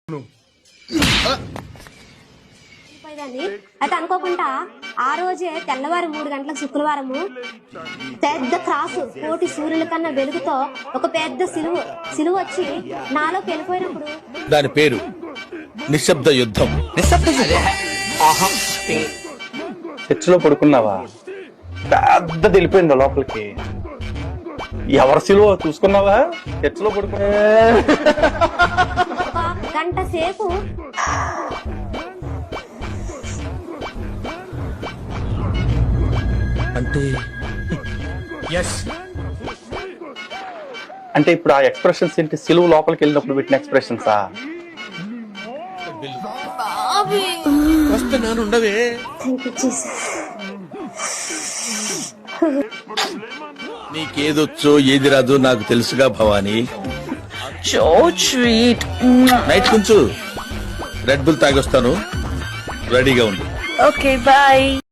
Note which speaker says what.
Speaker 1: అయితే అనుకోకుండా ఆ రోజే తెల్లవారు 3 గంటలకు శుక్రవారము పెద్ద క్రాసు కోటి సూర్యుల కన్నా వెలుగుతో ఒక పెద్ద సిలువ వచ్చి నాలోకి వెళ్ళిపోయినప్పుడు
Speaker 2: దాని పేరు నిశ్శబ్ద యుద్ధం.
Speaker 3: చర్చిలో పడుకున్నావా? పెద్ద తెలిపోయింది లోపలికి. ఎవరి సిలువ చూసుకున్నావా? చర్చిలో పడుకున్నా
Speaker 1: ఒక గంట సేపు
Speaker 3: అంటే ఇప్పుడు ఆ ఎక్స్ప్రెషన్స్ ఏంటి? సిలువ లోపలికి వెళ్ళినప్పుడు పెట్టిన ఎక్స్ప్రెషన్సా?
Speaker 2: వస్తున్నానుండవే. నీకేదొచ్చో ఏది రాదో నాకు తెలుసుగా భవానీ. నైట్ కొంచెం రెడ్ బుల్ తాగొస్తాను, రెడీగా ఉండు.
Speaker 4: Okay bye.